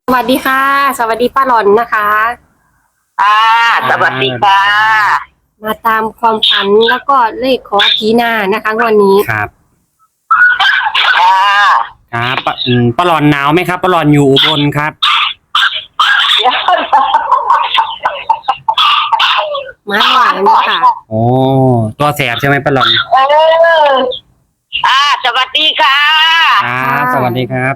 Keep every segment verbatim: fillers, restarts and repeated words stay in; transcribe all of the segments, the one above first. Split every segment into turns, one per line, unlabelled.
สวัสดีค่ะสวัสดีป้าหลอนนะคะ
อ่าสวัสดีค่ะ
มาตามความฝันแล้วก็เลขขอผีนานะคะวันนี้
ครับ
อ่า
ครับปะอืมป้าหลอนหนาวไหมครับป้าหลอนอยู่อุบลครับ
มาหน่อยนะคะ
โอ้ตัวแสบใช่ไหมป้าหลอน
เอออ่าสวัสดีค่ะ
ครับสวัสดีครับ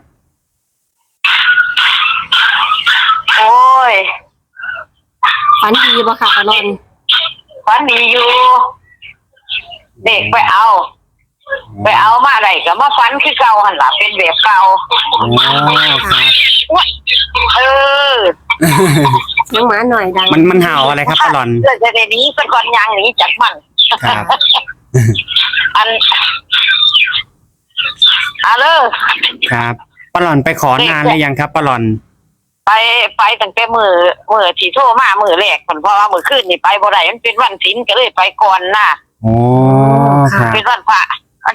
โอ้ย
ฝันดีบ่ค่ะป้าหลอน
ฝันดีอยู่เด็กไปเอาไปเอามาอะไรก็มาฝันคือเก่าหันหลังเป็นแบบเก่า
โอ้ครับ
เออ
น้องหมาหน่อยดัง
มันมันเห่าอะไรครับป้าหลอน
เกิดจะนี้เป็นก่อนยางหนีจากมัน
ครับ
อันอะเลย
ครับป้าหลอนไปขอนานหรือยังครับป้าหลอน
ไปไปตั้งแต่มือมือที่โทรมามือแรกคนเพราะว่ามือขึ้นนี่ไปบ่ได้มันเป็นวันศีลก็เลยไปก่อนน่ะ
โอ้ครับ
เป็นวันพระ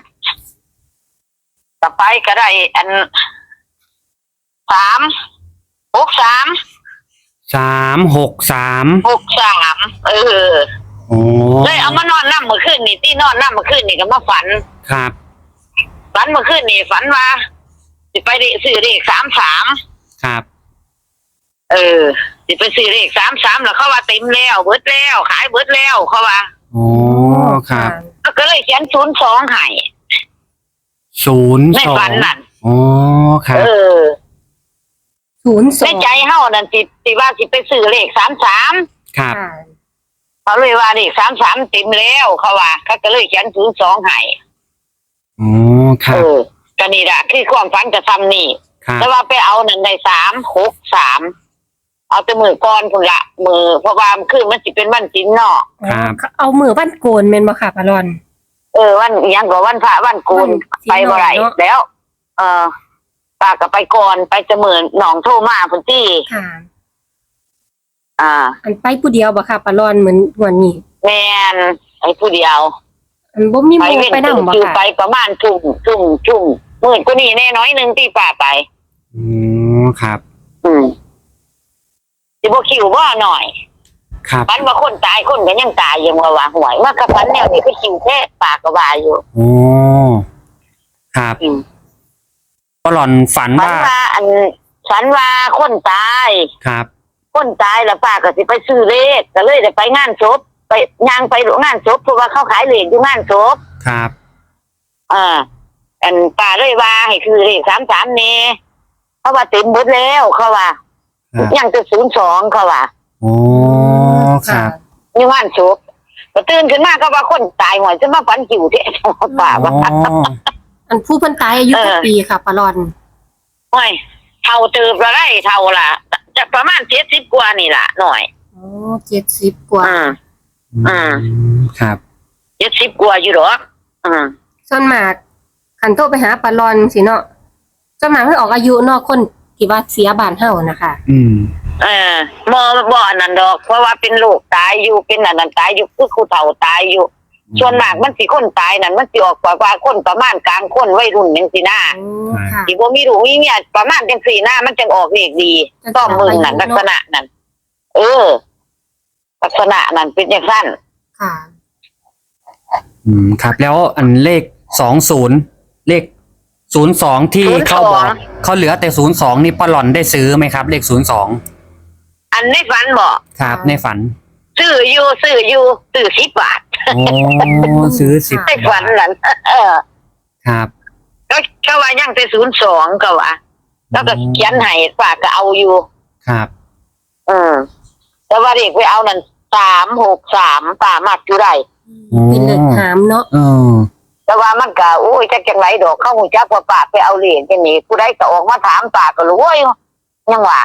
ต่อไปก็ได้อันสามหกสาม
สามหกสาม
หกสามเออ
โอ้
เลยเอามานอนนั่งมือขึ้นนี่ที่นอนนั่งมือขึ้นนี่ก็มาฝัน
ครับ
ฝันมือขึ้นนี่ฝันว่าสิไปได้ซื้อเลขสามสาม
ครับ
เออสิไปซื้อเลขสามสามแล้วเขาว่าเต็มแล้วเบิดแล้วขายเบิดแล้วเขาว่า
โอ้ครับ
ก็เลยเขียนศูนย์สองให้
ศูนย์
ใน
สอง
ฝันนั่น
โอ้ครับ
เออ
ศูนย์สอง
ในใจเฮานั่นสิสิว่าสิไปซื้อเลขสามสาม
ครับ
เขาเลยว่าเลขสามสามเต็มแล้วเขาว่าเขาก็เลยเขียนศูนย์สองให้
โอ้ครับ
เออก็นี่แหละคือความฝันจะทำนี่แต่ว่าไปเอานั่นได้สามหกสามเอาแต่มือก่อนพุ่นละมือเพราะว่าคือมันสิเป็นวันศีลเนาะ
เอามือวันโกนแม่นบ่ค่ะป้าหลอน
เออวันยังก็วันพระวันโกนไปบ่ได้แล้ว เออป้าก็ไปก่อนไปจะเหมือนหนองโทมาพุ่นที่
ค่ะ
อ่า
อันไปผู้เดียวบ่ค่ะป้าหลอนเหมือนวันนี้
แม่นไอ้ผู้เดียว
อันบ่มีหมู่ไปนำบ่ค่ะ
ไปประมาณทุ่มทุ่มทุ่มมื้อก็นี่แน่น้อยนึงที่ป้าไป
อืมครับ
อืมสิบ่คิวบ่หน่อย
ครับ
ฝันว่าคนตายคนก็ยังตายยังว่าว่าหวยมากกับฝันแนวนี้คือคิวแท้ปากก็ว่าอยู่
โอ้ครับป้าหลอนฝันว่า
ฝันว่าอันฝันว่าคนตาย
ครับ
คนตายแล้วป้าก็สิไปซื้อเลขก็เลยได้ไปงานศพไปย่างไปงานศพเพราะว่าเขาขายเลขอยู่งานศพ
ครับ
อ่าอันป้าเลยว่าให้คือเลขสามสามนี่เพราะว่าเต็มหมดแล้วเขาว่ายังจะศูนย์สองเขาว่า
โอ้ครับ
อยู่งานศพก็ตื่นขึ้นมาก็ว่าคนตายหวยจะมาฝันคิวแท้ป้าว่า
อันผู้เพิ่นตายอายุกี่ปีค่ะป้าหลอน
โอ้ยเท่าเติบละไรเท่าละจะประมาณเจ็ดสิบกว่านี่ล่ะหน่อย
อ๋อเจ็ดสิบกว่า
อืมอืม
ครับ
เจ็ดสิบกว่าอยู่หรออืม
ส่วนมากคันโทรไปหาป้าหลอนสิเนาะส่วนมากเพิ่นออกอายุเนาะคนที่ว่าเสียบ้านเฮานะคะ
อืม
เออบ่บ่อันนั้นดอกเพราะว่าเป็นลูกตายอยู่เป็นอันนั้นตายอยู่คือครูเฒ่าตายอยู่ส่วนมากมันสิคนตายนั่นมันสิออกกว่าคนประมาณกลางคนวัยรุ่นจังซี่นะสิบ่มีลูกมีเมียประมาณจังซี่นะมันจังออกเลขดีต้องมึงนั่นลักษณะนั้นเออลักษณะนั้นเป็นจังซั่น
ค่ะ
อืมครับแล้วอันเลขสองศูนย์เลขศูนย์สองที่เขาบอกเขาเหลือแต่ศูนย์สองนี่ป้าหลอนได้ซื้อไหมครับเลขศูนย์สอง
อันในฝันบอก
ครับในฝัน
ซื้ออยู่ซื้ออยู่ซื้อสิบบาท
โอ้ซื้อสิบ
ในฝันนั้นเออ
ครับ
ก็ก็ว่ายังแต่ศูนย์สองก็ว่าแล้วก็เขียนให้ป้าก็เอาอยู่
ครับ
เออแต่ว่าเด็กไปเอานั่นสามหกสามป้ามักอยู่ได้
เป็นเลขหามเนาะ
เออ
แต่ว่ามันก็โอ้ยจักจังไรดอกเข้าหูจักว่าป้าไปเอาเหรียญจังนี้ผู้ใดก็ออกมาถามป้าก็รู้ว่ายังว่า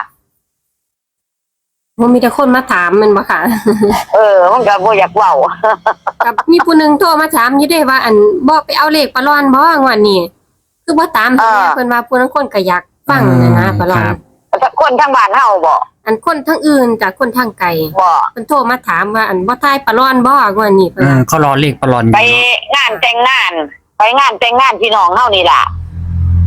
มันมีแต่คนมาถามมันบ่ค่ะ
เออมันก็บ่อยากเว้า
กับมีผู้นึงโทรมาถามอยู่ได้ว่าอันบ่ไปเอาเลขป้าหลอนบ่งวดนี้คือบ่ตามเพิ่นว่าผู้นั้นคนก็อยากฟังนะนะป้าหลอน
คนทางบ้านเฮาบ่
อันคนทางอื่นจากคนทางไกล
บ่
เพิ่นโทรมาถามว่าอันบ่ทายป้าหลอนบ่งวดนี้เพิ่น
เขารอเลขป้าหลอน
ไปงานแต่งงานไปงานแต่งงานพี่น้องเฮานี่ล่ะ
อ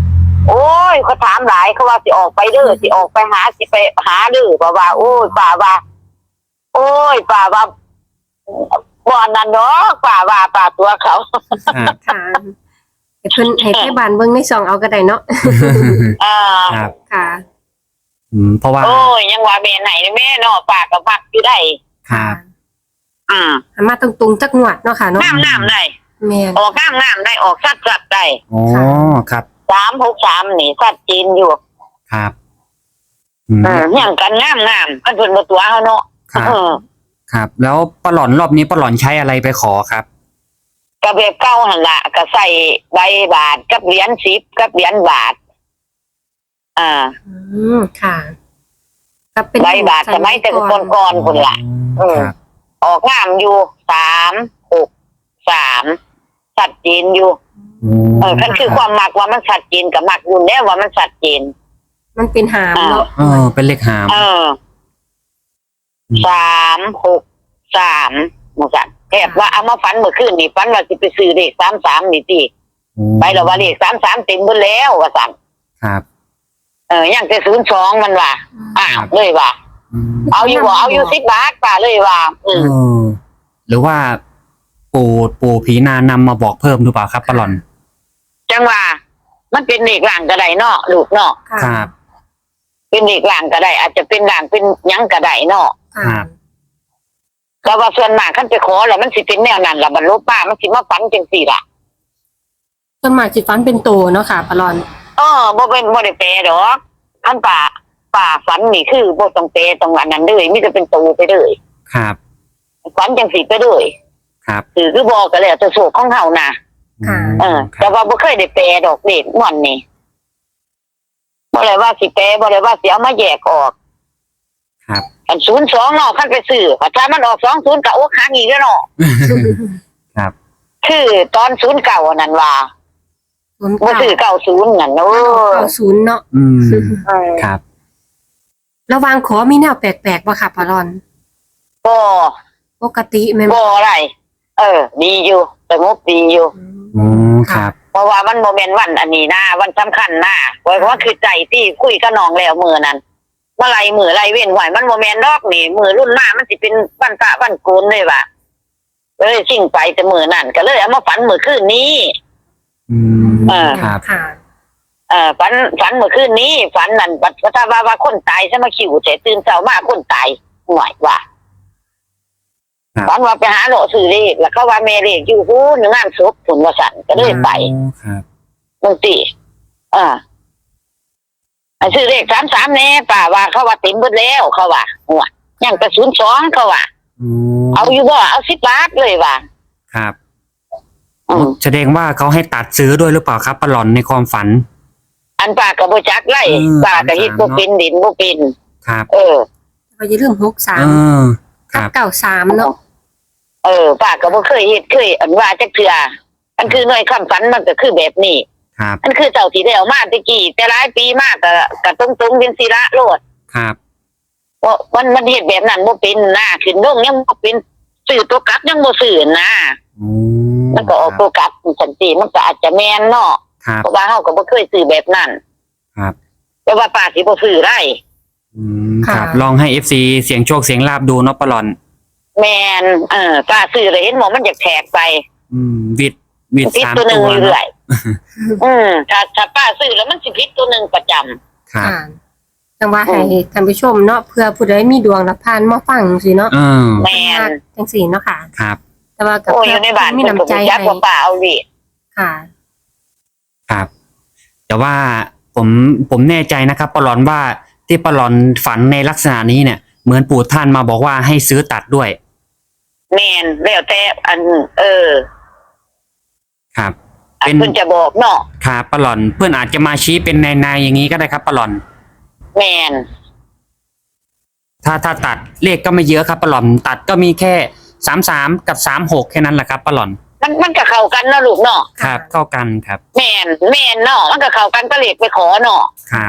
โอ้ยเขาถามหลายเขาว่าสิออกไปเด้อสิออกไปหาสิไปหาเด้อป่าว่าโอ้ยป่าว่าโอ้ยป่าว่าบ่อนนั่นเนาะป่าว่าป่าตัวเขา
ครับ
ค่ะให้เพิ่นให้แค่บ้านเบิ่งในช่องเอาก็ได้เนาะ
อ่า
ครับ
ค่ะ
อืมเพราะว่า
โอ้ยยังว่าแม่ไหนแม่เนาะป่าก็พักอยู่ได้
ครับ
อืม
หันมาตรงๆจักงวดเนาะค่ะเนาะ
งามงามได้
แม่น
ออกงามงามได้ออกสัดสัดได้
อ๋อครับ
สามหกสามนี่สัดจีนอยู่
ครับอืม
อืมอย่างกันงามงามกันเพิ่นบ่ตัวเฮาเนาะ
ครับ
เออ
ครับ แล้วปลาหลอนรอบนี้ปลาหลอนใช้อะไรไปขอครับ
ก็แบบเก่าหั่นล่ะก็ใส่ใบบาทกับเหรียญสิบกับเหรียญบาท อ่า
อืมค่ะก็เป็น
ใบบาทสมัยแต่ก่อนๆพุ่นล่ะ เออ
ครับ
ออกงามอยู่สามหกสามชัดเจนอยู่ เออคันคือความมักว่ามันชัดเจนกับมักอยู่แล้วว่ามันชัดเจน
มันเป็นหามเนาะ
เออเป็นเลขหาม
เออสามหกสามหมู่สันแอบว่าเอามาฝันเมื่อคืนนี่ฝันว่าสิไปซื้อเลขสามสามนี่ติ
โอ้
ไปแล้วว่าเลขสามสามเต็มหมดแล้วว่าสัน
ครับ
เออยังแต่ศูนย์สองมันว่าอ้าวเลยว่า
อืม
เอาอยู่บ่เอาอยู่สิบบาทป่าเลยว่า อื
เอ
ม
อหรือว่าปู่ปู่ผีนานำมาบอกเพิ่มหรือเปล่าครับปลาหลอน
จังว่า มันเป็นเลขหลังก็ได้เนาะลูกเนาะ
ค่ะ
ครับ
เป็นเลขหลังก็ได้ อาจจะเป็นหลังเป็นหยังก็ได้เนาะ
ค่ะ
แต่ว่าส่วนมากคันไปขอแล้วมันสิเป็นแนวนั้นล่ะบรรลุป้ามันสิมาฝันจังซี่ล่ะ
ต้นหมากจิตฟันเป็นโตเนาะค่ะปลาลอน
เออบ่เป็นบ่ได้แปลดอกอันป่าป่าฝันนี่คือบ่ต้องแปลตรงอันนั้นเลยมีแต่เป็นตูไปเลย
ครับ
ฝันจังสิไปเลย
ครับ
คือคือบอกก็แล้วแต่โชคของเฮานะ
ค่ะ
เออ
ค
แต่
รับ
ว่าบ่เคยได้แปลดอกเด็กม่วนนี่บ่ได้ว่าสิแปลบ่ได้ว่าสิเอามาแยกออก
ครับ
อันศูนย์สองเนาะคันไปซื้อถ้ามันออกสองศูนย์ก็โอ้ค้างอีกแล้วเนาะ
ครับ
คือตอนศูนย์เก้าอันนั้นว่า
ศูนย์
บ่
เก้า
ซื้อเก้าศูนย์นั่นเออ
เก้าศูนย์เนาะ
อืม
เออ
ครับ
ระหวางขอมีแนวแปลกๆป่ะค่ะปลาลอน
บ่
ปกติแม่น
บ่อะไร เออ ดีอยู่สงบดีอยู่
โอ้ครับ
เพราะว่ามันโมเมนต์วันอันนี้นะวันสำคัญนะเพราะว่าคือใจที่คุยกับน้องแล้วมือนั้นเมื่อไรมือไรเว้นไหวมันโมเมนต์ดอกนี่มือรุ่นหน้ามันสิเป็นวันพระวันโกนเลยว่ะเลยสิ่งไปแต่มือนั่นก็เลยเอามาฝันมือคืนนี้
อืม
เออ
ครับ
ค่ะ
เออฝันฝันมือคืนนี้ฝันนั่นปัจจุบันว่าคนตายซะมาขิวเสตื่นเช้ามาคนตายหน่อยว่า
ครับ
ฝันว่าไปหาโหลซื้อเลขแล้วเขาว่าเมเลขอยู่หูหนึ่งงานศพผลวสันก็เลยไป
โอ้ครับ
บางทีอ่าอันซื้อเลขสามสามแน่ป่าว่าเขาว่าเต็มหมดแล้วเขาว่าหัวยังกระสุนสองเขาว่า
โอ้
เอาอยู่บ่เอาสิบบาทเลยว่า
ครับ
อืม
แสดงว่าเขาให้ตัดซื้อด้วยหรือเปล่าครับปลาหลอนในความฝัน
อันป่ากระโบจักไล่
อืม
ป่ากระฮิตบ่เป็นดินบ่เป็น
ครับ
เออ
เราจะเรื่องหกสา
เอ
ม
อ ค
กั
รั
บบ เก้าสามเนาะ
เออป่ากระบ่เคยเฮ็ดเคยอันว่าจักเทื่ออันคือหน่วยคำฝันมันก็คือแบบนี้
ครับ
อันคือเจ้าที่ได้เอามาตะกี้แต่หลายปีมากก็ก็ตรงๆเป็นศิระโลด
ครับ
เพราะมันมันเฮ็ดแบบนั้นบ่เป็นนะขึ้นลงยังบ่เป็นซื้อตัวกลับยังบ่ซื้อนะ
โอ้
มันก็ออกตัวกลับสันติมันก็อาจจะแม่นเนาะ
ครับ
เพราะว่าเฮาก็บ่เคยซื้อแบบนั้น
ครับ
แต่ว่าป้าสิบ่ซื้อได้
อืมครับลองให้เอฟซีเสียงโชคเสียงลาบดูเนาะปลาหลอน
แม่นเออป้าซื้อแล้วเห็นหมอมันอยากแทกไป
อืมวิดวิด
ผิด
สาม
ตัวหนึ
ตั
ง
ว
อยู่
เนาะ
เรื่อยอืมถ้าถ้าป้าซื้อแล้วมันสิผิดตัวหนึงประจำ
ครับ
ค่ะจังว่าให้ท่านผู้ชมเนาะเพื่อผู้ใดมีดวงรับพานมาฟังสิเนาะ
เออ
แม่น
จังสี่เนาะค่ะ
ครับ
แต่ว่ากับ
โอ้ยอยู่ในบ้าน
มี
เพิ่นก็
น้ำใจ
บ่จัก
ให้
ว่าป้าเอาดิ
ค่ะ
ครับ แต่ว่าผมผมแน่ใจนะครับปลาหลอนว่าที่ปลาหลอนฝันในลักษณะนี้เนี่ย เหมือนปู่ท่านมาบอกว่าให้ซื้อตัดด้วย
แม่นแล้วแต่อัน เออ
ครับ
อัน
เป็น
เพิ่นจะบอกเนาะ
ครับปลาหลอนเพื่อนอาจจะมาชี้เป็นในในอย่างนี้ก็ได้ครับปลาหลอน
แม่น
ถ้าถ้าตัดเลขก็ไม่เยอะครับปลาหลอนตัดก็มีแค่สามสามกับสามหกแค่นั้นแหละครับปลาหลอน
มันมันก็เข้ากันเนาะลูกเนาะ
ครับเข้ากันครับ
แม่นแม่นเนาะมันก็เข้ากันก็เลขไปขอเนาะ
ครับ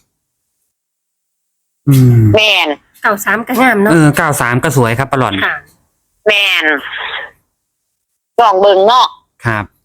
อืม
แม่น
เก้าสามก็งาม
เอ
เนาะ
อเก้าสามก็สวยครับปลาหลอน
ค่ะ
แม่นลองเบิ่งเนาะ
ครับ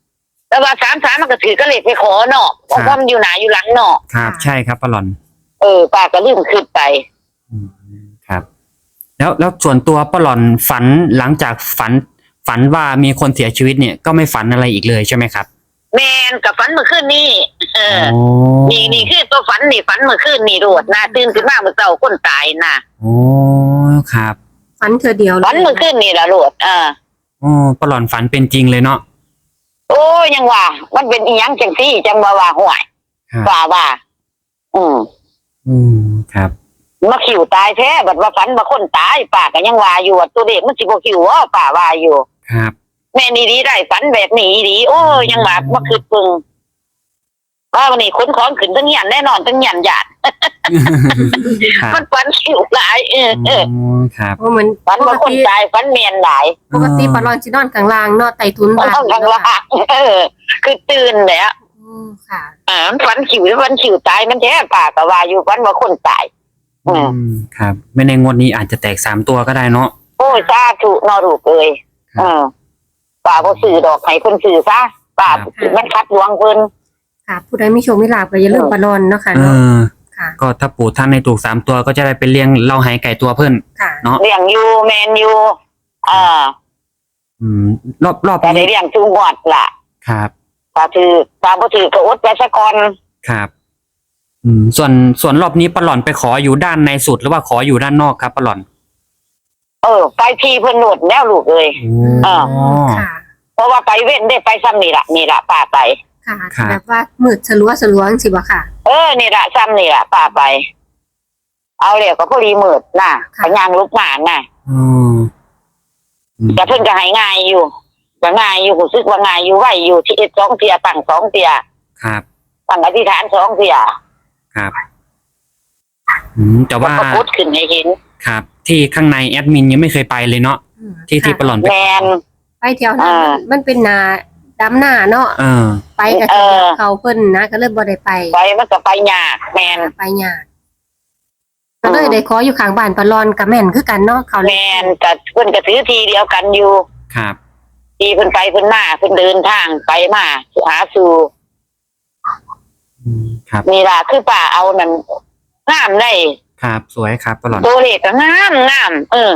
แต่ว่าสามสามมันก็ถือก็เลขไปขอเนาะเพราะว่ามันอยู่หนาอยู่หลังเนาะ
ครับใช่ครับปลาหลอน
เออป้าก็ลืมขึ้นไป
อืมครับ แล้วแล้วส่วนตัวปลาหลอนฝันหลังจากฝัน ฝันว่ามีคนเสียชีวิตเนี่ยก็ไม่ฝันอะไรอีกเลยใช่ไหมครับ
แมนกับฝันเมื่อคืนนี่เออ
โอ้
นี่นี่คือตัวฝันนี่ฝันเมื่อคืนนี่โดดนะตื่นขึ้นมาเมื่อเช้าคนตายนะ
โอ้ครับ
ฝันเธอเดียวเลย
ฝันเมื่อคืนนี่ละโดดเออ
โอ้ปลาหลอนฝันเป็นจริงเลยเนาะ
โอ้ยยังว่า มันเป็นอีหยังจังซี่จังว่าว่าห่วย
ครับ
ว่าว่า อืม
อืมครับ
มาขิวตายแท้บัดว่าฝันว่าคนตายป้าก็ยังว่าอยู่ว่าตัวเด็กมันสิบ่ขิวว่าป้าว่าอยู่
ครับ
แม่นี่ดีได้ฝันแบบนี้ดีโอ้ยยังว่าบ่คือปึงว่าวันนี้ขนของขึ้นทั้งหยันแน่นอนทั้งหยันหยาด
ครับ
มันฝันขิวหลายเออเออ
โอ้ครับ
เพราะมัน
ฝันว่าคนตายฝันเมียนหลาย
ปกติปลาลอนสินอนข้างล่างเนาะไต่ทุน
มัน
บ้าน
ต้องข้างล่างเออ คือตื่นแล้ว
อืมค่ะ
อ่าฝันขิวฝันขิวตายมันแท้ป้าก็ว่าอยู่ฝันว่าคนตาย
อืมครับ ไม่ในงวดนี้อาจจะแตกสามตัวก็ได้เนาะ
โอ้ยสาธุนอรูกเอ้ย
ครับ
เออป้าบ่ซื้อดอกให้เพิ่นซื้อซะป้า
ครับ
มันคัดดวงเพิ่น
ค่ะ ผู้ใดมีโชคมีลาภก็อย่าลืมปลาลอนเนาะค่ะ
เอ
เนาะ
อ
ค่ะ
ก็ถ้าปู่ท่านในถูกสามตัวก็จะได้ไปเลี้ยงเหล่าหายไก่ตัวเพิ่น
ค่ะ
เนาะ
เลี้ยงอยู่แมนอยู่อ่า
อืม รอบรอบ
แต่ได้
นี้
เลี้ยงจุงอดล่ะ
ครับ
ป้าถือป้าบ่ถือก็อดไปซะก่อน
ครับ อืม ส่วนส่วนรอบนี้ปลาหลอนไปขออยู่ด้านในสุดหรือว่าขออยู่ด้านนอกครับปลาหลอน
เออ ไปทีเพิ่นโหนดแล้วลูกเอ้ย
อ๋อ
ค่ะ
เพราะว่าไปเว้นได้ไปซ้ำนี่ล่ะนี่ล่ะป้าไป
ค่ะ
ครับ
แบบว่ามืดสลัวสลัวจังสิบ่ค่ะ
เออนี่ล่ะซ้ำนี่ล่ะป้าไป เอาแล้วก็พอดีมืดน่ะ
ค่ะ
ไปย่างลูกหมาน่ะ
อืมอืม
แต่เพิ่นก็ให้ง่ายอยู่ก็ง่ายอยู่รู้สึกว่าง่ายอยู่ไหวอยู่ที่เอ็ดสองเตียตั้งสองเตีย
ครับ
ตั้งอธิษฐานสองเตีย
ครับ อืม แต่ว่า
ก็พุทธขึ้นให้เห็น
ครับ ที่ข้างในแอดมินยังไม่เคยไปเลยเนาะ
อืม
ที่ที่ปลาหลอนไป
แมน
ไปแถวนั้น
อ่า
มันเป็นนาดำหน้าเนาะ
เออ
ไปกับ
เออ
เขาเพิ่นนะก็เลยบ่ได้ไป
ไปมันก็ไปยากแมน
ไปยากก็เลยได้ขออยู่ข้างบ้านปลาลอนกับแม่นคือกันเนาะเขา
แมนกับเพิ่นก็ถือทีเดียวกันอยู่
ครับ
ทีเพิ่นไปเพิ่นมาเพิ่นเดินทางไปมาหาสู่
อืม ครับ
นี่ล่ะคือป้าเอานั่นงามได้
ครับ สวยครับปลาหลอน
ตัวเลขก็งามงามเออ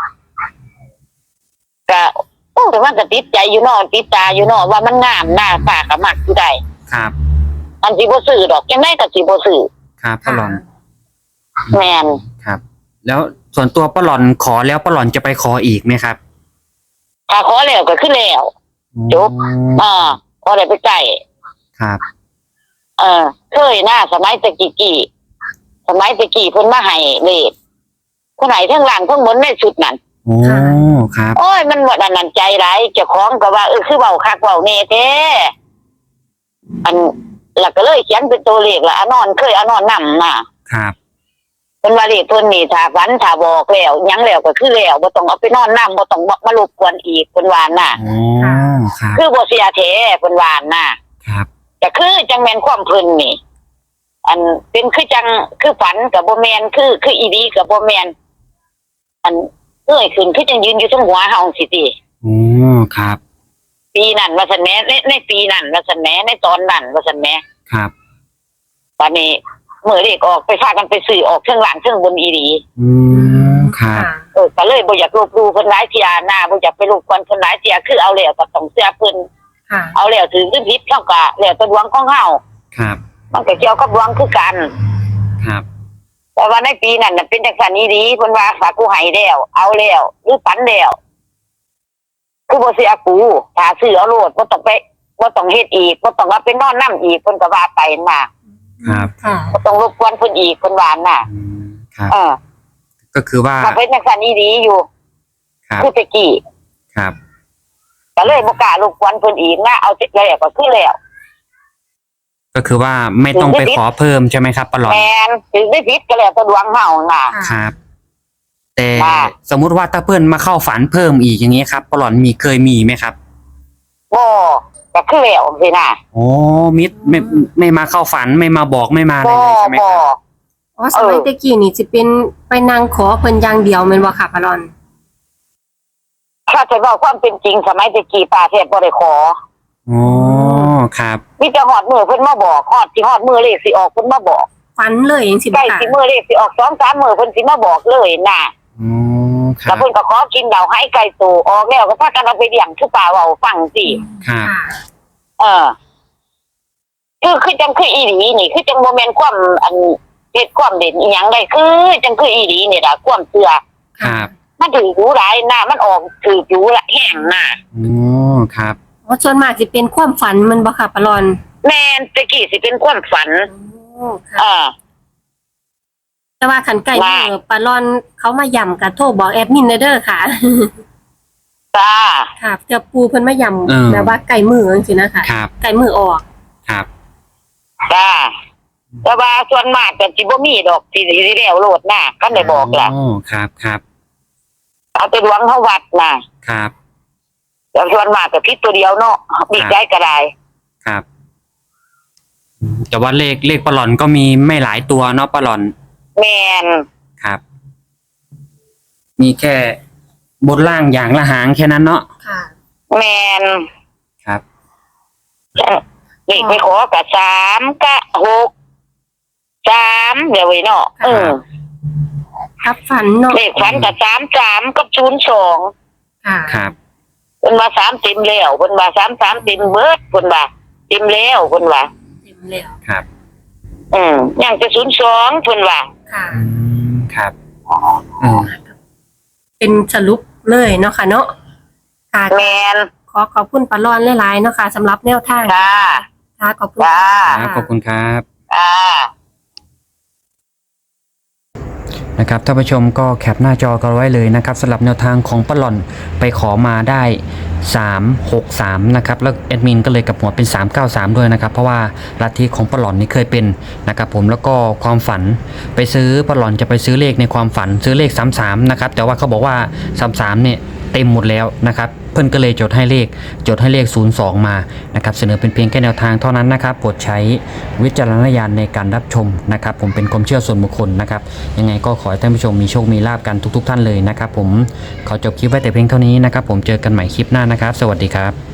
ก็โอ้แต่ว่าก็ติดใจอยู่เนอติดตาอยู่เนอว่ามันงามหน้าป้าก็มักอยู่ได้
ครับ
อันสิบ่ซื้อดอกจังได๋ก็สิบ่ซื้อ
ครับปลาหลอน
แม่น
ครับ แล้วส่วนตัวปลาหลอนขอแล้วปลาหลอนจะไปขออีกไหมครับ
ถ้าขอแล้วก็คือแล้ว จบ อ่าพอได้ไปใกล้
ครับ
เออเคยหน้าสมัยตะกี้กี้สมัยตะกี้เพิ่นมาให้เลขคนไหนทั้งหลังทั้งบนในชุดนั้น
โอ้ ครับ
โอ้ยมันบ่ดันนันใจหลายเจ้าของก็ว่าเออคือเว้าคักเว้าแน่แท้อันแล้วก็เลยเขียนเป็นตัวเลขละอนอนเคยอนอนนำน่ะ
ครับ
เป็นว่าเลขเพิ่นนี่ถ้าฝันถ้าบอกแล้วหยังแล้วก็คือแล้วบ่ต้องเอาไปนอนนำบ่ต้องมารบกวนอีกเพิ่นว่าน่ะ
โอ้ ครับ
คือบ่เสียแท้เพิ่นว่าน่ะ
ครับ
ก็คือจังแม่นความเพิ่นนี่ อันเป็นคือจังคือฝันกับบ่แม่นคือคืออีดีกับบ่แม่นอันเอ้ยขึ้นคือจังยืนอยู่ทั้งหัวเฮาสิติ
โอ้ ครับ
ปีนั้นว่าซั่นแหมในในปีนั้นว่าซั่นแหมในตอนนั้นว่าซั่นแหม
ครับ
ตอนนี้มื้อเลขออกไปพากันไปซื้อออกเทิงหลังเทิงบนอีดี
อืม ครับ
ค่ะ
เออก็เลยบ่อยากลบหลู่เพิ่นหลายเที่ยหน้าบ่อยากไปรบกวนเพิ่นหลายเที่ยคือเอาแล้วก็ต้องเสียเพิ่น
ค่ะ
เอาแล้วถือคือผิดเฮาก็แล้วแต่ดวงของเฮา
ครับ
มันก็เกี่ยวกับดวงคือกัน
ครับ
แต่ว่าในปีนั้นน่ะเป็นจังซั่นอีดีเพิ่นว่าฝากกูให้แล้วเอาแล้วหรือฝันแล้วคือบ่เสียกูถ้าซื้อเอาโลดบ่ต้องไปบ่ต้องเฮ็ดอีกบ่ต้องว่าไปนอนนำอีกเพิ่นก็ว่าไปน่ะ
ครับ
ค่ะ
บ่ต้องรบกวนเพิ่นอีกเพิ่นว่าน่ะ
อืม ครับ
เออ
ก็คือว่า
ถ้าเป็นจังซั่นอีดีอยู่
ครับ
คือแตะกี้
ครับ
ก็เลยบ่กล้ารบกวนเพิ่นอีกนะเอาเสร็จแล้วก็คือแล้ว
ก็คือว่าไม่ต้องไปขอเพิ่มใช่ไหมครับปลาหลอน
แม่นถึงได้ผิดก็แล้วแต่ดวงเฮาน่ะ
ครับ แต่
ค่ะ
สมมุติว่าถ้าเพื่อนมาเข้าฝันเพิ่มอีกอย่างนี้ครับปลาหลอนมีเคยมีไหมครับ
บ่ก็คือแล้วสินะ
โอ้มิดไม่ไม่มาเข้าฝันไม่มาบอกไม่มาอะไร
บ่
เลยใช่ไหม
บ่
ครับ
อ๋อสมัยตะกี้นี่สิเป็นไปนั่งขอเพิ่นอย่างเดียวแม่นบ่ค่ะปลาลอน
ถ้าจะเว้าความเป็นจริงสมัยตะกี้ป้าแทบบ่ได้ขอ
ออ๋อครับ
มีแต่ฮอดมือเพิ่นมาบอกฮอดสิฮอดมือเลขสิออกเพิ่นมาบอก
ฝันเลยจังซี่
ใกล้
ค่ะ
สิมือเลขสิออกสองสามมือเพิ่นสิมาบอกเลยน่ะ
อ๋อค
แล้
รั
ว
บ
เพิ่นก็ขอกินเหล้าให้ไก่ตูออกแล้วก็พากันเอาไปเลี้ยงคือป่าเว้าฟังสิ
ครับ
ค่ะ
เออคือคือจังคืออีหลีนี่คือจังบ่แม่นความอันเฮ็ดความเด่นอีหยังได้คือจังคืออีหลีนี่ล่ะความเชื่อ
ครับ
มันถือรู้หลายน่ะมันออกถือรู้ละแห้งน่ะ
อ๋อครับ
อ๋อส่วนมากสิเป็นความฝันมันบ่ค่ะปะรอน
แม่นแตะกี้สิเป็นความฝัน
โอ้ค่ะ
อ่า
แต่ว่าขันไก่
ว่า
เมื่อปลาลอนเขามาย่ำกับโทรบอกแอดมินเด้อค่ะ
จ้า
ค่ะเกือบปูเพิ่นมาย่
เออ
ำแบบว่าไก่มือจังซี่นะคะ
ครับ
ไก่มือออก
ครับ
จ้าแต่ว่าส่วนมากก็สิบ่มีดอกที่สิแล้วโลดน่ะก็ได้บอกล่ะ
อ๋อครับครับ
เอาไปหลวงเฮาวัดน่ะ
ครับ
แต่ส่วนมากก็ผิดตัวเดียวเนาะมีใจก็ได้
ครับแต่ว่าเลขเลขปลาหลอนก็มีไม่หลายตัวเนาะปลาหลอน
แม่น
ครับ มีแค่บนล่างอย่างละหางแค่นั้นเนาะ
ค่ะ
แม่น
ครับ
เลขไปขอก็สามก็หกสามเดี๋ยวไว้เนาะเออ
ครับฝันเนาะ
เลขฝันก็สามสามกับศูนย์สอง
ค่ะ
ครับ
เพิ่นว่าสามเต็มแล้วเพิ่นว่าสามสามเต็มเบิดเพิ่นว่าเต็มแล้วเพิ่นว่า
เต็มแล้ว
ครับ
อืมยังจะศูนย์สองเพิ่นว่า
ค่ะ
อืมครับเออ
เป็นสรุปเลยเนาะค่ะเนาะค่ะ
แมน
ขอขอบคุณปลาลอนหลายๆเนาะค่ะสำหรับแนวทาง
จ้า
ค่ะขอบคุณ
จ้า
ครับขอบคุณครับ
อ่า
นะครับท่านผู้ชมก็แคปหน้าจอกันไว้เลยนะครับสำหรับแนวทางของปลาหลอนไปขอมาได้สามหกสามนะครับแล้วแอดมินก็เลยกลับหัวเป็นสามเก้าสามด้วยนะครับเพราะว่าลัทธิของปลาหลอนนี่เคยเป็นนะครับผมแล้วก็ความฝันไปซื้อปลาหลอนจะไปซื้อเลขในความฝันซื้อเลขสามสามนะครับแต่ว่าเขาบอกว่าสามสามเนี่ยเต็มหมดแล้วนะครับเพื่อนก็เลยจดให้เลขจดให้เลขศูนย์สองมานะครับเสนอเป็นเพียงแค่แนวทางเท่านั้นนะครับโปรดใช้วิจารณญาณในการรับชมนะครับผมเป็นความเชื่อส่วนบุคคลนะครับยังไงก็ขอให้ท่านผู้ชมมีโชคมีลาภกันทุกๆท่านเลยนะครับผมขอจบคลิปไว้แต่เพียงเท่านี้นะครับผมเจอกันใหม่คลิปหน้านะครับสวัสดีครับ